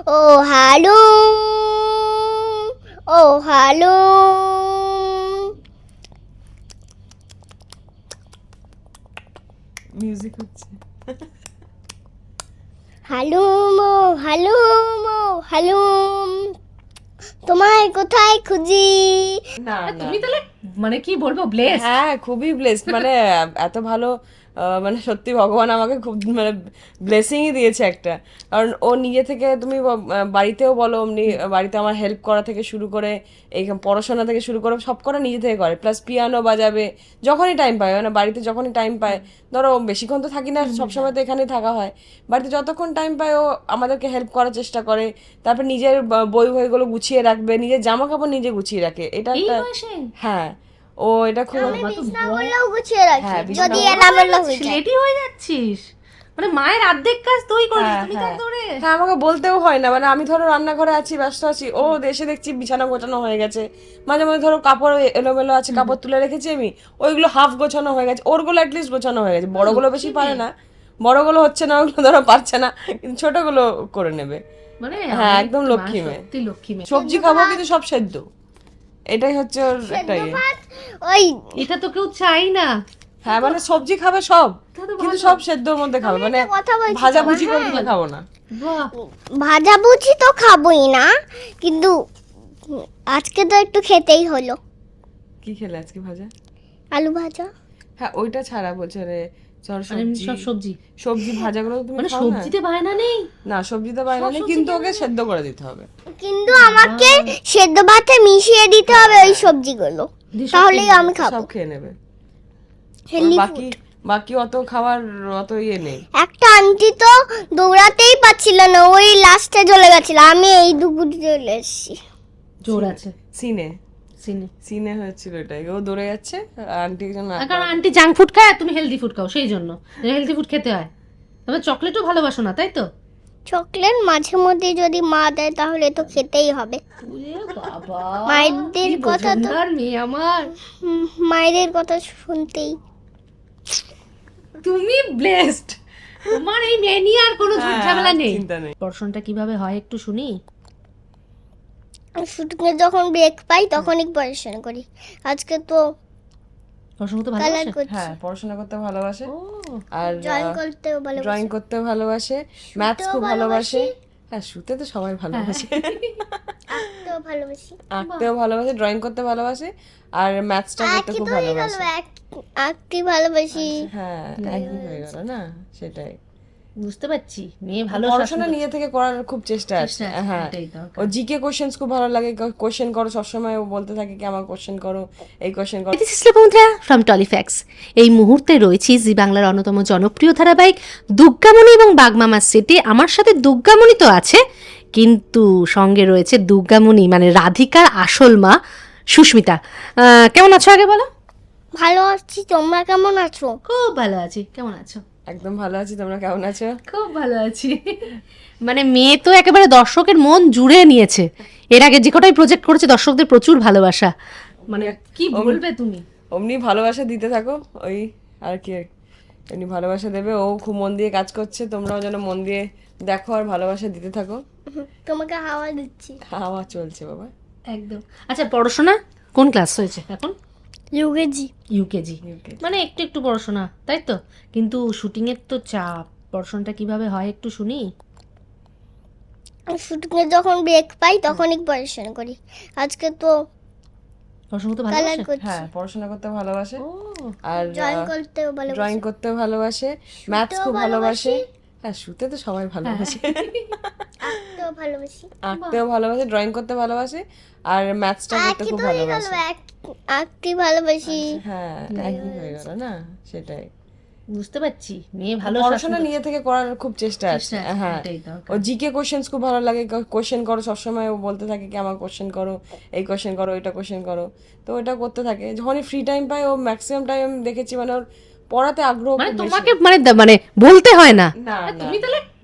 ও হালুম, ও হালুম। Music হচ্ছে। হালুম ও হালুম, ও হালুম, তোমায় কোথায় খুঁজি। না না তুমি তাহলে মানে কি বলবো, ব্লেস। হ্যাঁ খুবই ব্লেসড, মানে এত ভালো মানে সত্যি ভগবান আমাকে খুব মানে ব্লেসিংই দিয়েছে একটা। কারণ ও নিজে থেকে তুমি বাড়িতেও বলো অমনি, বাড়িতে আমার হেল্প করা থেকে শুরু করে এই পড়াশোনা থেকে শুরু করে সব করা নিজে থেকে করে, প্লাস পিয়ানো বাজাবে যখনই টাইম পায়, মানে বাড়িতে যখনই টাইম পায়, ধরো বেশিক্ষণ তো থাকি না, সবসময় তো এখানেই থাকা হয়, বাড়িতে যতক্ষণ টাইম পায় ও আমাদেরকে হেল্প করার চেষ্টা করে। তারপর নিজের বই বইগুলো গুছিয়ে রাখবে, নিজের জামা কাপড় নিজে গুছিয়ে রাখে, এটা এই একটা বয়সে হ্যাঁ ও এটা খুব বিছানাগুলোও গুছিয়ে রাখি, হ্যাঁ, যদি বিছানা- এলোমেলো হয়ে যায়। রেডি হয়ে যাচ্ছিস, মানে মায়ের অর্ধেক কাজ তুই করিস, হ্যাঁ, তুমি তো হ্যাঁ। একদম রে। হ্যাঁ আমাকে বলতেও হয় না, মানে আমি ধরো রান্নাঘরে আছি, ব্যস্ত আছি, ও এসে দেখছি বিছানা গোছানো হয়ে গেছে, মাঝে মাঝে ধরো কাপড় এলোমেলো আছে, কাপড় তুলে রেখেছি আমি, ওইগুলো হাফ গোছানো হয়ে গেছে, ওরগুলো অ্যাটলিস্ট গোছানো হয়ে গেছে, বড়গুলো বেশি পারে না, বড়গুলো হচ্ছে না, ওগুলো ধরো পারছে না, কিন্তু ছোটগুলো করে নেবে। মানে হ্যাঁ, আমি একদম মা লক্ষ্মী মেয়ে। সত্যি লক্ষ্মী মেয়ে। সবজি খাবো কিন্তু সব সেদ্ধ, এটাই হচ্ছে ওর একটা ইয়ে। ভাত ওই এটা তো কেউ চাই না। হ্যাঁ মানে সবজি খাবে সব, তা তো কিন্তু ভালো। সব সেদ্ধর মধ্যে খাবে, মানে একটা কথা বলছি ভাজা তোমায়, ভুজি করে দিলে খাবো না। বাহ, ভাজাভুজি তো খাবোই না, কিন্তু আজকে তো একটু খেতেই হলো। কি খেলে আজকে ভাজা? আলু ভাজা। হ্যাঁ ওইটা ছাড়া বলছে রে, ধর মানে এমনি সবজি সব সবজি, সবজি ভাজাগুলো তুমি মানে খাও না? সবজিতে বায়না নেই। না সবজিতে বাইরে নেই, কিন্তু ওকে সেদ্ধ করে দিতে হবে। কিন্তু আমাকে সেদ্ধ ভাতে মিশিয়ে দিতে হবে ওই সবজিগুলো, দিয়ে সব তাহলেই আমি খাবো। সব খেয়ে নেবে। ওর হেলদি বাকি বাকি অত খাওয়ার অত ইয়ে নেই। একটা আন্টি তো দৌড়াতেই পাচ্ছিল না, ওই লাস্টে চলে গেছিল, আমি এই দুপুর চলে এসেছি। জোর আছে সিনে সিনে। সিনে হয়েছিল এটাই, ও দৌড়ে যাচ্ছে, আন্টি জন্য কারণ আন্টি জাঙ্ক ফুড খায় আর তুমি হেলদি ফুড খাও, সেই জন্য হেলদি ফুড খেতে হয়। তবে চকলেটও ভালোবাসো না, তাই তো? চকলেট মাঝে মধ্যে যদি মা দেয় তাহলে তো খেতেই হবে। ওরে বাবা, মায়েদের কি কথা তো বোঝনদার মেয়ে আমার। মায়েদের কথা শুনতেই। তুমি ব্লেসড, তোমার এই মেয়ে নিয়ে আর কোনো ঝুট ঝামেলা নেই। চিন্তা নেই। পড়াশোনাটা কিভাবে হয় একটু শুনি। শুটিংয়ে যখন ব্রেক পাই তখনই পড়াশোনা করি। আজকে তো পড়াশোনা তো কালার ভালোবাসে। করছি, হ্যাঁ পড়াশোনা করতে ভালোবাসে, ও আর ড্রয়িং করতেও ভালো। ড্রয়িং করতেও ভালোবাসে, ম্যাথস খুব ভালোবাসে। হ্যাঁ শুতে তো সবাই ভালোবাসে, আঁকতেও ভালোবাসি। আঁকতেও ভালোবাসে, ড্রয়িং করতে ভালোবাসে, আর ম্যাথসটা করতে খুব ভালোবাসে। আঁকতে ভালোবাসি। হ্যাঁ একই হয়ে গেল না, সেটাই। বুঝতে পারছি, মেয়ে ভালো পড়াশোনা নিজে থেকে করার খুব চেষ্টা আছে। চেষ্টা আছে, হ্যাঁ এটাই দরকার। ও জিকে কোশ্চেন্স খুব ভালো লাগে, কোশ্চেন করো সবসময়, ও বলতে থাকে কি আমার কোশ্চেন করো, এই কোশ্চেন করো। বন্ধুরা ফ্রম টলিফ্যাক্স, এই মুহূর্তে রয়েছি জি বাংলার অন্যতম জনপ্রিয় ধারাবাহিক দুর্গামণি এবং বাগমামার সেটে। আমার সাথে দুর্গামণি তো আছে, কিন্তু সঙ্গে রয়েছে দুর্গামণি মানে রাধিকার আসল মা সুস্মিতা। কেমন আছো আগে বলো? ভালো আছি, তোমরা কেমন আছো? খুব ভালো আছি, কেমন আছো? একদম ভালো আছি, তোমরা কেমন আছো? খুব ভালো আছি। মানে মেয়ে তো একেবারে দর্শকের মন জুড়ে নিয়েছে, এর আগে যে কটাই প্রজেক্ট করেছে দর্শকদের প্রচুর ভালোবাসা। মানে কি বলবে তুমি? অমনি ভালোবাসা দিতে থাকো, ওই আর কি, এমনি ভালোবাসা দেবে, ও খুব মন দিয়ে কাজ করছে, তোমরাও যেন মন দিয়ে দেখো আর ভালোবাসা দিতে থাকো। তোমাকে হাওয়া দিচ্ছি। হাওয়া চলছে বাবা। একদম। আচ্ছা পড়াশোনা কোন ক্লাস হয়েছে এখন? ইউকেজি। ইউকেজি, মানে একটু একটু পড়াশোনা, তাই তো? কিন্তু শুটিংয়ের তো চাপ, পড়াশোনাটা কিভাবে হয় একটু শুনি। শুটিংয়ে যখন ব্রেক পাই তখনই পড়াশোনা করি। আজকে তো পড়াশোনা তো কালার ভালোবাসে। করছি, হ্যাঁ পড়াশোনা করতে ভালোবাসে, ও আর ড্রয়িং করতেও ভালোবাসি। ড্রয়িং করতেও ভালোবাসে, ম্যাথস খুব ভালোবাসে। হ্যাঁ শুতে তো সবাই ভালোবাসে, আঁকতেও ভালোবাসি। আঁকতেও ভালোবাসে, ড্রয়িং করতে ভালোবাসে, আর ম্যাথসটা করতে একই খুব তো হয়ে গেল, ভালোবাসে। আঁকতে ভালোবাসি। হ্যাঁ একই হয়ে গেল না, সেটাই। বুঝতে পারছি, মেয়ে ভালো পড়াশোনা নিজে থেকে করার খুব চেষ্টা আছে। চেষ্টা আছে, হ্যাঁ এটাই দরকার। ও জিকে কোশ্চেন্স খুব ভালো লাগে, কোশ্চেন করো সবসময়, ও বলতে থাকে কি আমার কোশ্চেন করো, এই কোশ্চেন করো, ওইটা কোশ্চেন করো, তো ওটা করতে থাকে। যখনই ফ্রি টাইম পায় ও ম্যাক্সিমাম টাইম দেখেছি মানে ওর পড়াতে আগ্রহ মানে খুব বেশি। তোমাকে মানে মানে বলতে হয় না। না না তুমি তাহলে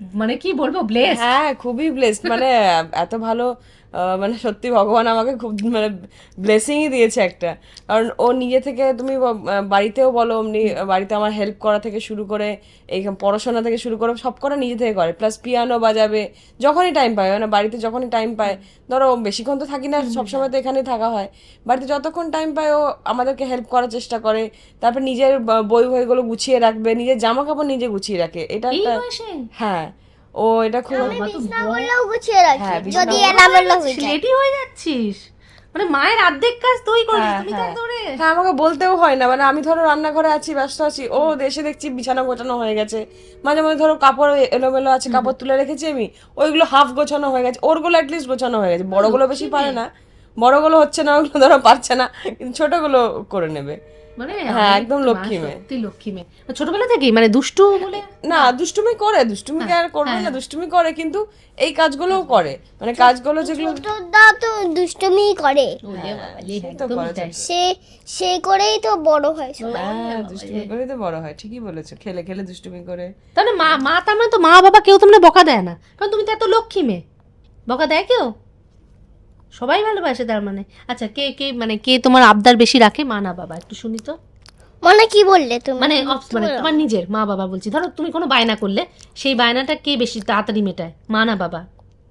মানে কি বলবো, ব্লেস। হ্যাঁ খুবই ব্লেসড, মানে এত ভালো মানে সত্যি ভগবান আমাকে খুব মানে ব্লেসিংই দিয়েছে একটা। কারণ ও নিজে থেকে তুমি বাড়িতেও বলো অমনি বাড়িতে আমার হেল্প করা থেকে শুরু করে এই পড়াশোনা থেকে শুরু করে সব করা নিজে থেকে করে, প্লাস পিয়ানো বাজাবে যখনই টাইম পায়, মানে বাড়িতে যখনই টাইম পায়, ধরো বেশিক্ষণ তো থাকি না, সবসময় তো এখানেই থাকা হয়, বাড়িতে যতক্ষণ টাইম পায় ও আমাদেরকে হেল্প করার চেষ্টা করে। তারপর নিজের বই বইগুলো গুছিয়ে রাখবে, নিজের জামা কাপড় নিজে গুছিয়ে রাখে, এটা এই একটা বয়সে হ্যাঁ ও এটা খুব বিছনা করলেও গুছিয়ে রাখি হ্যাঁ, বিছানা যদি করলেও এলোমেলো হয়ে যায়। রেডি হয়ে যাচ্ছিস, মানে মায়ের অর্ধেক কাজ তুই করিস, হ্যাঁ, তুমি তো হ্যাঁ। একদম রে। হ্যাঁ আমাকে বলতেও হয় না, মানে আমি ধরো রান্নাঘরে আছি ব্যস্ত আছি, ও এসে দেখছি বিছানা গোছানো হয়ে গেছে, মাঝে মাঝে ধরো কাপড় এলোমেলো আছে, কাপড় তুলে রেখেছি আমি, ওইগুলো হাফ গোছানো হয়ে গেছে, ওরগুলো অ্যাটলিস্ট গোছানো হয়ে গেছে, বড়গুলো বেশি পারে না, বড়গুলো হচ্ছে না, ওগুলো ধরো পারছে না, কিন্তু ছোটগুলো করে নেবে। মানে হ্যাঁ, আমি একদম মা লক্ষ্মী মেয়ে। সত্যি লক্ষ্মী মেয়ে, ছোটবেলা থেকেই মানে দুষ্টু বলে। না দুষ্টুমি করে, দুষ্টুমি কি আর করবে না, দুষ্টুমি করে, কিন্তু এই কাজগুলোও করে, মানে কাজগুলো যেগুলো ছোটদা তো দুষ্টুমি করে, ওরে বাবালে, তো একদমই করে তাই। সে সে করেই তো বড় হয় সব। হ্যাঁ দুষ্টুমি করেই তো বড় হয়, ঠিকই বলেছো, খেলে খেলে দুষ্টুমি করে। তাহলে মা তার মানে তো মা বাবা কেউ তোমরা বকা দেয় না, কারণ তুমি তো এত লক্ষ্মী মেয়ে, বকা দেয় কেউ? সবাই ভালোবাসে তার মানে। আচ্ছা, কে কে মানে কে তোমার আবদার বেশি রাখে, মা না বাবা? একটু শুনি তো। মানে কি বললে তুমি? মানে মানে তোমার নিজের মা বাবা বলছি, ধরো তুমি কোনো বায়না করলে সেই বায়নাটা কে বেশি তাড়াতাড়ি মেটায়, মা না বাবা?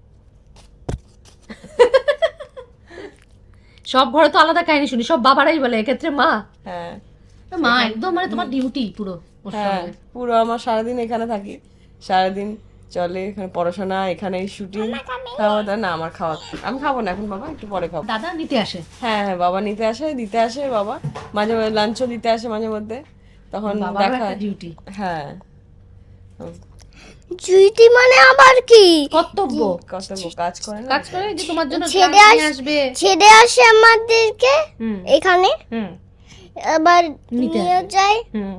সব ঘরে তো আলাদা কাহিনী শুনি, সব বাবারাই বলে এক্ষেত্রে মা। হ্যাঁ মা একদম মানে তোমার ডিউটি পুরো ওর হ্যাঁ সঙ্গে। পুরো আমার সারাদিন এখানে থাকি, সারাদিন চলে এখানে পড়াশোনা, এখানে শুটিং, খাওয়া দাওয়া। না আমার খাওয়া, আমি খাবো না এখন বাবা, একটু পরে খাবো। দাদা নিতে আসে? হ্যাঁ হ্যাঁ বাবা নিতে আসে, দিতে আসে বাবা, মাঝে মাঝে লাঞ্চও দিতে আসে মাঝে মধ্যে, তখন বাবার দেখা একটা ডিউটি, হ্যাঁ জুইটি মানে আবার কি? কর্তব্য, কত কাজ করে না। কাজ করে যে তোমার জন্য ছেড়ে ক্লাস নিয়ে আসবে। ছেড়ে আসে আমাদেরকে হুম এখানে, হুম আবার নিতে নিয়ে আসে। যায়, হুম,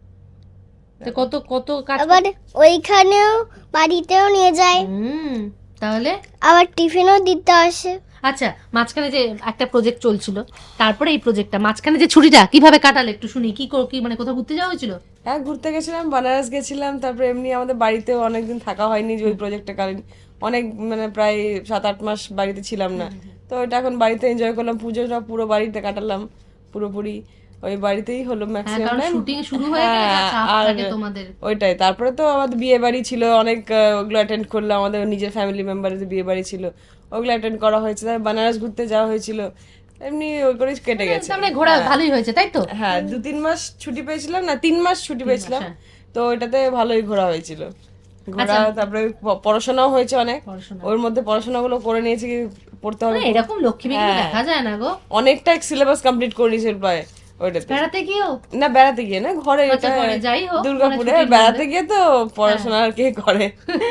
তো কত কত কাজ আবার ওইখানেও বাড়িতেও নিয়ে যায়, হুম, তাহলে আবার টিফিনও দিতে আসে। আচ্ছা, মাঝখানে যে একটা প্রজেক্ট চলছিল, তারপরে এই প্রজেক্টটা, মাঝখানে যে ছুটিটা কিভাবে কাটালে একটু শুনি। কি মানে কোথাও ঘুরতে যাওয়া হয়েছিল? হ্যাঁ ঘুরতে গেছিলাম, বানারস গেছিলাম, তারপরে এমনি আমাদের বাড়িতেও অনেকদিন থাকা হয়নি, যে ওই প্রজেক্টটা কালীন অনেক মানে প্রায় 7-8 মাস বাড়িতে ছিলাম না, তো ওটা এখন বাড়িতে এনজয় করলাম, পুজোটা পুরো বাড়িতে কাটালাম, পুরোপুরি ওই বাড়িতেই হলো হ্যাঁ, ম্যাক্সিমাম কারণ টাইম। শুটিং শুরু হয়ে গেলে যা চাপ আর থাকে তোমাদের। ওইটাই, তারপরে তো আমাদের বিয়ে বাড়ি ছিল অনেক, ওগুলো অ্যাটেন্ড করলাম, আমাদের নিজের ফ্যামিলি মেম্বারের বিয়ে বাড়ি ছিল, ওগুলো অ্যাটেন্ড করা হয়েছে, তারপর বানারস ঘুরতে যাওয়া হয়েছিল, এমনি ওই করে কেটে গেছে। তার মানে ঘোরা ভালোই হয়েছে, তাই তো? হ্যাঁ 2-3 মাস ছুটি পেয়েছিলাম, না 3 মাস ছুটি পেয়েছিলাম, হ্যাঁ। তো ওইটাতে ভালোই ঘোরা হয়েছিল, ঘোরা, তারপরে পড়াশোনাও হয়েছে অনেক, পড়াশোনা ওর মধ্যে পড়াশোনাগুলো করে নিয়েছি, পড়তে হবে, মানে এরকম লক্ষ্মী মেয়ে কিন্তু হ্যাঁ। দেখা যায় না গো। অনেকটা সিলেবাস কমপ্লিট করে নিয়েছিল প্রায় ওইটাতে। বেড়াতে গিয়েও? না বেড়াতে গিয়ে না, ঘরে, আচ্ছা, ঘরে, যাই হোক, দুর্গাপুরে মানে ছুটির বেড়াতে মধ্যে। গিয়ে তো পড়াশোনা আর কে করে।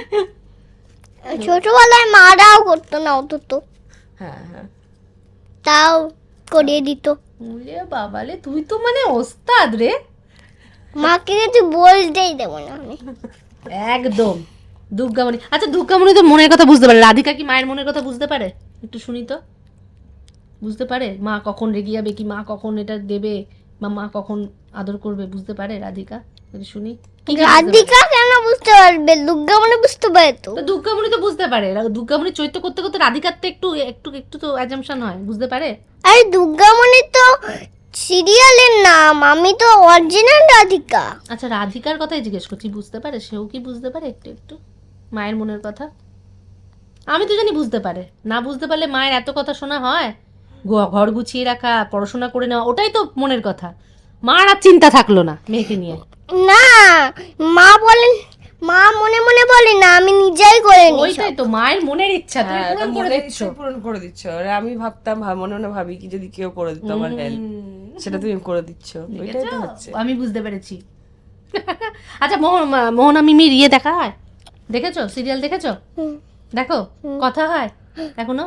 ছোটবেলায় মারাও করতো না অত তো, হ্যাঁ হ্যাঁ তাও করিয়ে দিত। ওরে বাবালে, তুই তো মানে ওস্তাদ রে, মাকে কিছু বলতেই দেবো না আমি। একদম দুর্গামণি। আচ্ছা, দুর্গামণি তো মনের কথা বুঝতে পারে, রাধিকা কি মায়ের মনের কথা বুঝতে পারে? একটু শুনি তো। বুঝতে পারে মা কখন রেগে যাবে, কি মা কখন এটা দেবে, বা মা কখন আদর করবে, বুঝতে পারে রাধিকা? একটু শুনি। কি কি বুঝতে পারে? রাধিকা কেন বুঝতে পারবে? দুর্গা মানে বুঝতে পারে তো। তো দুর্গামণি তো বুঝতে পারে, দুর্গামণি চৈত্য করতে করতে রাধিকার তো একটু একটু একটু তো অ্যাজাম্পশন হয়, বুঝতে পারে? আরে দুর্গা মানে তো সিরিয়ালের নাম, আমি তো অরিজিনাল রাধিকা। আচ্ছা, রাধিকার কথাই জিজ্ঞেস করছি, বুঝতে পারে? সেও কি বুঝতে পারে একটু একটু মায়ের মনের কথা? আমি তো জানি বুঝতে পারে, না বুঝতে পারলে মায়ের এত কথা শোনা হয়? ঘর গুছিয়ে রাখা, পড়াশোনা করে নেওয়া, ওটাই তো মনের কথা। মার আর চিন্তা থাকলো না মেয়েকে নিয়ে। না, মা বলেন, মা মনে মনে বলে না, আমি নিজেই করে নিই। ওইটাই তো মায়ের মনের ইচ্ছা, তুমি হ্যাঁ, পূরণ তো করে মনের দিচ্ছ। ইচ্ছে পূরণ করে দিচ্ছ, আর আমি ভাবতাম মনে মনে ভাবি কি যদি কেউ করে দিত আমার হেল্প, সেটা তুমি করে দিচ্ছ, ওইটাই তো হচ্ছে। আমি বুঝতে পেরেছি। আচ্ছা, মোহনা মিমির ইয়ে দেখা হয়? দেখেছো? সিরিয়াল দেখেছো? হুম, দেখো, কথা হয় এখনো?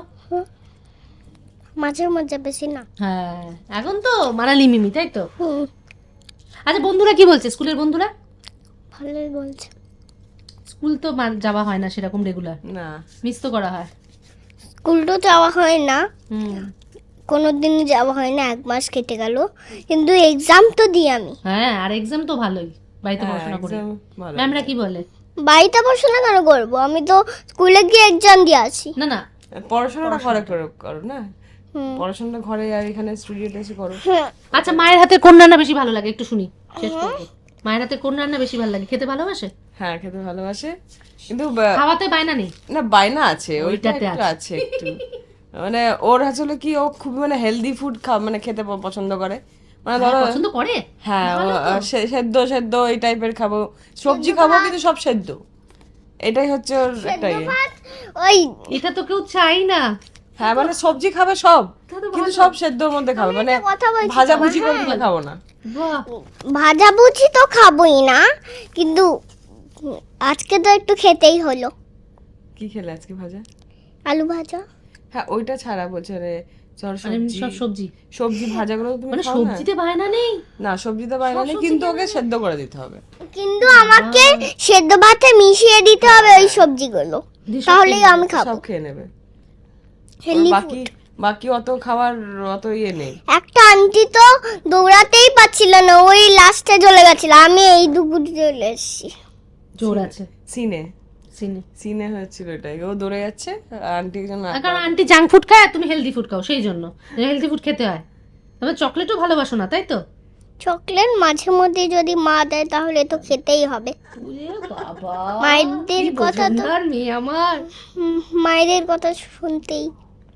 মাঝে মাঝে, বেশি না। হ্যাঁ, এখন তো মানালি মিমি, তাই তো? হুম, আচ্ছা, বন্ধুরা কি বলছে? স্কুলের বন্ধুরা? ভালোই বলছে। স্কুল তো যাওয়া হয় না সেরকম রেগুলার, না মিস তো করা হয়। স্কুল তো যাওয়া হয় না, হুম, কোনোদিন যাওয়া হয় না, 1 মাস কেটে গেল, কিন্তু এক্সাম তো দিই আমি। হ্যাঁ, আর এক্সাম তো ভালোই, বাড়িতে হ্যাঁ, পড়াশোনা করে। exam ভালো। ম্যামরা কি বলে? বাড়িতে পড়াশোনা কেন করবো? আমি তো স্কুলে গিয়ে এক্সাম দিয়ে আসি। না না, পড়াশোনাটা ঘরে করো না, পড়াশোনাটা ঘরে আর এখানে স্টুডিওতে এসে করো। আচ্ছা মায়ের হাতে কোন রান্না বেশি ভালো লাগে একটু শুনি, শেষ করবো। মায়ের হাতে কোন রান্না বেশি ভালো লাগে, খেতে ভালোবাসে? হ্যাঁ, খেতে ভালোবাসে, কিন্তু খাওয়াতে বায়না নেই? না, বায়না আছে, ওইটা ওইটাতে একটু আছে একটু। মানে ওর আসলে কি, ও খুব মানে হেলদি ফুড মানে খেতে পছন্দ করে। মানে ধরো, পছন্দ করে? হ্যাঁ, সেদ্ধ সেদ্ধ এই টাইপের খাবো, সবজি খাবো কিন্তু সব সেদ্ধ, এটাই হচ্ছে ওর একটা ইয়ে। ওই এটা তো কেউ চাই না। হ্যাঁ, মানে সবজি খাবে সব, কিন্তু সব সেদ্ধর মধ্যে খাবে, মানে কথা বলছি ভাজা ভুজি করে দিলে খাবো না। বাহ, ভাজাভুজি তো খাবোই না, কিন্তু আজকে তো একটু খেতেই হলো। কি খেলে আজকে ভাজা? আলু ভাজা। হ্যাঁ, ওইটা ছাড়া বলছে রে, ধর আর এমনি সবজি, সব সবজি, সবজি ভাজাগুলো তুমি মানে খাও না? সবজিতে বায়না নেই? না, সবজিতে বাইরে নেই, কিন্তু ওকে সেদ্ধ করে দিতে হবে। কিন্তু আমাকে সেদ্ধ ভাতে মিশিয়ে দিতে হবে ওই সবজিগুলো, তাহলেই আমি খাবো। সব খেয়ে নেবে। হেলদি বাকি বাকি অত খাবার অত ইয়ে নেই। একটা আন্টি তো দৌড়াতেই পাচ্ছিল না, ওই লাস্টে চলে গেছিল, আমি এই দুপুরে চলে এসেছি। জোর আছে সিনে সিনে। সিনে হয়েছিল এটাই, ও দৌড়ে যাচ্ছে, আন্টি একজন কারণ আন্টি জাঙ্ক ফুড খায় আর তুমি হেলদি ফুড খাও, সেই জন্য হেলদি ফুড খেতে হয়। তবে চকলেটও ভালোবাসো না, তাই তো? চকলেট মাঝে মধ্যে যদি মা দেয় তাহলে তো খেতেই হবে। বাবা, মায়েদের কথা তো মেয়ে আমার, মায়েদের কথা শুনতেই।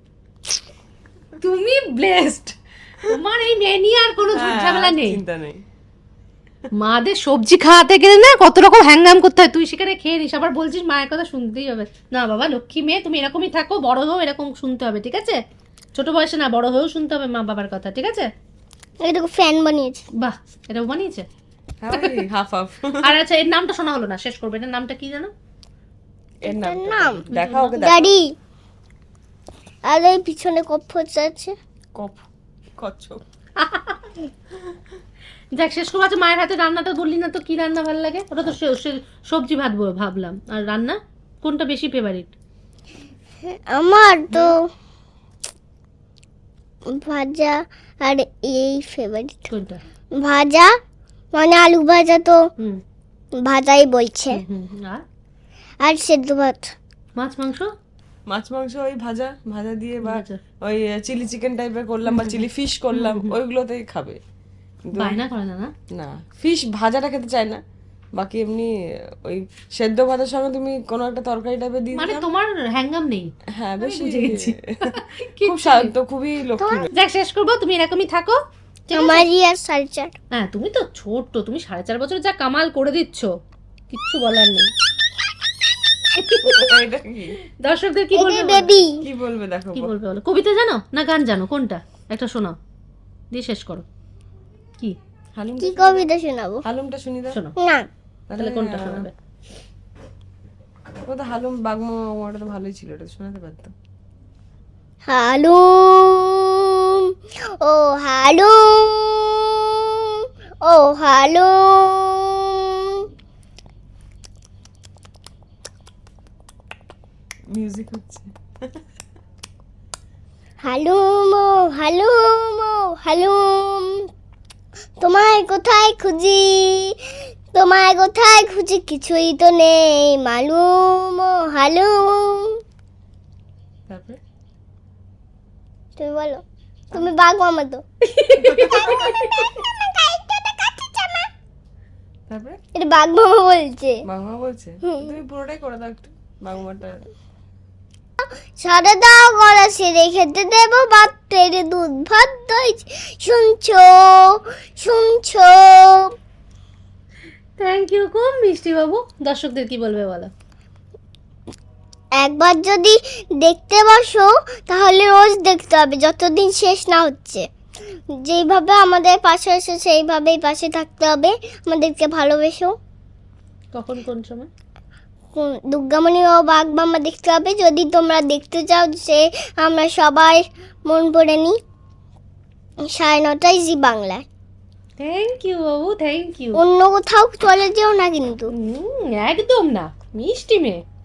তুমি ব্লেসড, তোমার এই মেয়ে নিয়ে আর কোনো ঝুট ঝামেলা নেই। চিন্তা নেই। মাদের সবজি খাওয়াতে গেলে না কত রকম হ্যাঙ্গাম করতে হয়, তুই সেখানে খেয়ে নিস, আবার বলছিস মায়ের কথা শুনতেই হবে। না বাবা, লক্ষ্মী মেয়ে তুমি এরকমই থাকো, বড় হও এরকম শুনতে হবে, ঠিক আছে? ছোট বয়সে না, বড় হয়েও শুনতে হবে মা বাবার কথা, ঠিক আছে? এই দেখো ফ্যান বানিয়েছে। বাহ, এটাও বানিয়েছে। হ্যাঁ, হাফ হাফ। আর আচ্ছা, এর নামটা শোনা হলো না, শেষ করবে। এটার নামটা কি জানো? এর নাম নাম দেখা, ওকে দেখা। গাড়ি। আর এই পিছনে কফ আছে। কচ্ছপ। যাক, শেষ করবো। আচ্ছা, মায়ের হাতে রান্নাটা বললি না তো, কি রান্না ভালো লাগে? ওটা তো সবজি ভাত ভাবলাম। আর রান্না কোনটা বেশি ফেভারিট? আমার তো ভাজা আর এই ফেভারিট। কোনটা? ভাজা মানে আলু ভাজা, তো হুম ভাজাই বলছে। হুম। আর আর সেদ্ধ ভাত। মাছ মাংস? মাছ মাংস ওই ভাজা ভাজা দিয়ে, বা ভাজা। ওই চিলি চিকেন টাইপের করলাম বা চিলি ফিশ করলাম, ওইগুলোতেই খাবে। কিন্তু বায়না করে না? না না, ফিশ ভাজাটা খেতে চায় না। বাকি এমনি ওই সেদ্ধ ভাতের সঙ্গে তুমি কোনো একটা তরকারি টাইপের দিয়ে মানে দিলাম। তোমার হ্যাঙ্গাম নেই। হ্যাঁ, বেশি বুঝে গেছি। খুব শান্ত, খুবই লক্ষ্মী মেয়ে। যাক, শেষ করবো। তুমি এরকমই থাকো, ঠিক আছে? আমারই আর 4.5। হ্যাঁ, তুমি তো ছোট্ট, তুমি 4.5 বছর যা কামাল করে দিচ্ছ, কিচ্ছু বলার নেই। এটা কি দর্শকদের কি বলবে বলো? বেবি কি বলবে দেখো। কি বলবে বলো? কবিতা জানো না গান জানো? কোনটা একটা শোনাও, দিয়ে শেষ করো। কি হালুম, কি কবিতা শোনাবো? হালুমটা শুনি দাও। শোনো, না, তাহলে কোনটা শোনাবে? ও তো হালুম বাগমা, ওটা তো ভালোই ছিল, এটা তো শোনাতে পারতাম। হালুম ও হালুম ও হালুম। মিউজিক হচ্ছে। হালুম ও হালুম ও হালুম, তোমায় কোথায় খুঁজি, তোমায় কোথায় খুঁজি, কিছুই তো নেই মালুম ও হালুম। তারপরে তুমি বলো, তুমি বাঘ মামা তো। তারপরে এটা বাঘ মামা বলছে। বাগমা বলছে, তুমি পুরোটাই করে দাও একটু বাগমাটা। সাদা দাও গলাসে রেখেতে দেব ভাত, তেরে দুধ ভাত দই, শুনছো শুনছো। থ্যাংক ইউ, খুব মিষ্টি বাবু। দর্শকদের কি বলবে বলো? একবার যদি দেখতে বসো তাহলে রোজ দেখতে হবে, যতদিন শেষ না হচ্ছে। যেইভাবে আমাদের পাশে এসে সেইভাবেই পাশে থাকতে হবে, আমাদেরকে ভালোবেসো। কখন কোন সময়? দুর্গামণি ও বাঘ মামা দেখতে হবে, যদি তোমরা দেখতে চাও যে আমরা সবাই মন পড়ে নিই। 9:30 জি বাংলায়। থ্যাংক ইউ বাবু, থ্যাংক ইউ। অন্য কোথাও চলে যেও না কিন্তু। একদম না, মিষ্টি মেয়ে।